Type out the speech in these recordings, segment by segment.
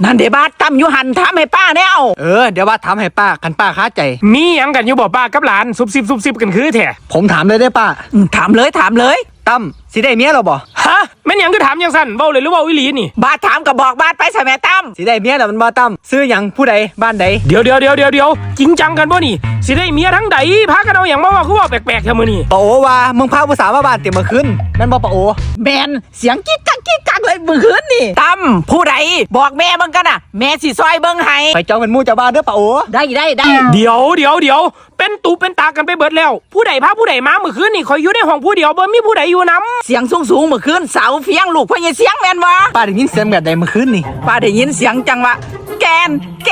นั่นเดี๋ยวบาดตั้มอยู่หันถามให้ป้าแนวเดี๋ยวว่าถามให้ป้าคันป้าค้าใจมีหยังกันอยู่บ่ป้ากับหลานซุบซิบกันคือแท้ผมถามเลยได้ป้าถามเลยตั้มสิได้เมียเราบ่ฮะแม่นหยังคือถามยังสั่นเว้าเลยหรือว่าอีหลีนี่บาดถามกับบอกบาดไปใช่ไหมตั้มสิได้เมียแล้วมันบ่ตั้มซื้อหยังผู้ใดบ้านใดเดี๋ยวจริงจังกันบ่นี่สิได้เมียทั้งใดพากันเอาหยังมาว่าคือว่าแปลกๆแค่มื้อนี้ป้าโอว่ามึงพาผู้สาวมาบ้านเต็มเมื่อคืนนั่นบ่ป้าโอแมนเสียงกิ๊กกักเลยเมื่อคืนนี่ตั้มผู้ใดบอกแม่มึงกันน่ะแม่สิซอยเบิ่งให้ไปจองเป็นหมู่เจ้าบ้านเด้อป้าโอได้เดี๋ยวเป็นตูเป็นตากันไปเบิดแล้วผู้ใดพาผู้ใดมาเมื่อคืนนี่คอยอยู่ในห้องผู้เดียวบ่มีผู้ใดอยู่นำเสียงสูงเมื่อคืนเสาเฟียงลูกพ่อใหญ่เสียงแม่นบ่ป้าได้ยินเสียงแบบใดเมื่อคืนนี่ป้าได้ยินเสียงจังวะแกน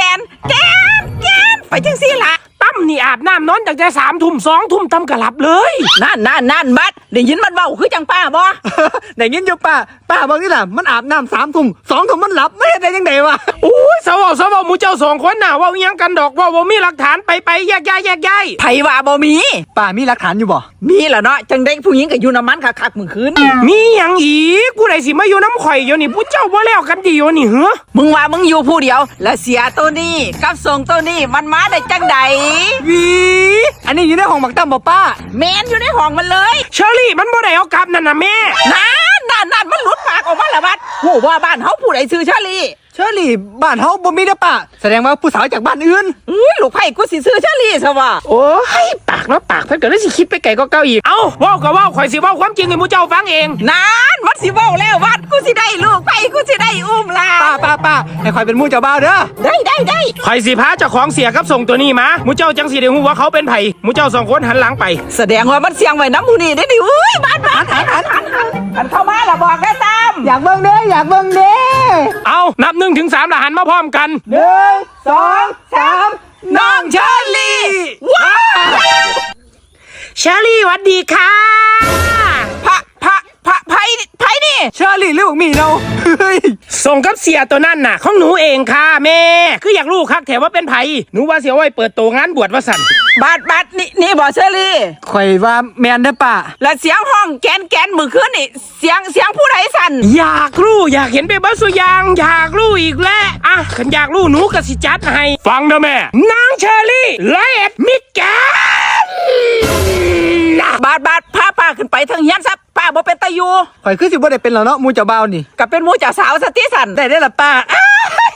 ไปจังซี่ล่ะตั้มนี่อาบน้ำนอนตั้งแต่3 ทุ่ม2 ทุ่มตั้มกะหลับเลยนั่นบัดได้ยินมันเว้าคือจังป้าบ่ได้ยินอยู่ป้าบอกนี่ล่ะมันอาบน้ำ3 ทุ่ม2 ทุ่มมันหลับไม่ได้ยังไงวะโอ้ยสาวหมู่เจ้า2 คนน่ะว่าอีหยังกันดอกว่าบ่มีหลักฐานไปแยกย้ายไผว่าบ่มีป้ามีหลักฐานอยู่บ่มีล่ะเนาะจังได้ผู้หญิงก็อยู่น้ำมันคักๆมื้อคืนมีหยังอีกผู้ใดสิมาอยู่น้ำข่อยอยู่นี่ผู้เจ้าบ่แล้วกันดีอยู่นี่เหรอมึงว่ามึงอยู่ผู้เดียวแล้วเสียตัวนี้กับส่งตัวนี้มันมาได้จังใดอันนี้อยู่ในห้องหมักตั้มบ่ป้าแมนอยู่ในห้องมันเลยเชอรี่มันบ่ได้เอากลับนั่นน่ะแม่นั่นมันหลุดปากออกมาแล้วบัดโหว่าบ้านเฮาผู้ใดชื่อเชอรี่บ้านเฮาบ่มีเด้อป้าแสดงว่าผู้สาวจากบ้านอื่นลูกไผ่กูสิซื้อเชอรี่ซะว่าโอ้ยปากเพิ่นก็เลยสิคิดไปไกลก็เก่าอีกเอ้าเว้าก็เว้าข่อยสิเว้าความจริงให้หมู่เจ้าฟังเองนั่นมันสิเว้าแล้วบัดกูสิได้ลูกไผ่กูสิได้อุ้มล่ะป้าให้ข่อยเป็นหมู่เจ้าบ่าวเด้อได้ข่อยสิพาเจ้าของเสียกับส่งตัวนี้มาหมู่เจ้าจังสิได้ฮู้ว่าเขาเป็นไผหมู่เจ้า2 คนหันหลังไปแสดงว่ามันเสียงไว้น้ำผู้นี้ได้ดิอุ้ยบ้านหันเข้ามาล่ะบอกได้ตามอยากเบิ่งเด้เอานับ1 ถึง 3แล้วหันมาพร้อมกัน 1 2 3 น้องเชอรี่ว้าเชอรี่สวัสดีค่ะไผนี่เชอรี่หรือบักหมี่เนาส่งกับเสียตัวนั่นน่ะของหนูเองค่ะแม่คืออยากรู้คักแถวว่าเป็นไผหนูว่าเสียไว้เปิดโตงานบวชว่าสั่นบัดนี่บ่เชอรี่ข่อยว่าแม่นเด้อป้าแล้วเสียงห้องแกนมื้อคืนนี่เสียงผู้ใดสั่นอยากรู้อยากเห็นไปเบิดสุยางอยากรู้อีกแล้วอ่ะคันอยากรู้หนูก็สิจัดให้ฟังนะแม่นางเชอรี่101มิแกนบัดพาป้าขึ้นไปทางเฮียนซะป้าบ่เป็นตาอยู่ข่อยคือสิบ่ได้เป็นแล้วเนาะหมู่เจ้าบ่าวนี่ก็เป็นหมู่เจ้าสาวซะติสั่นได้ล่ะป้า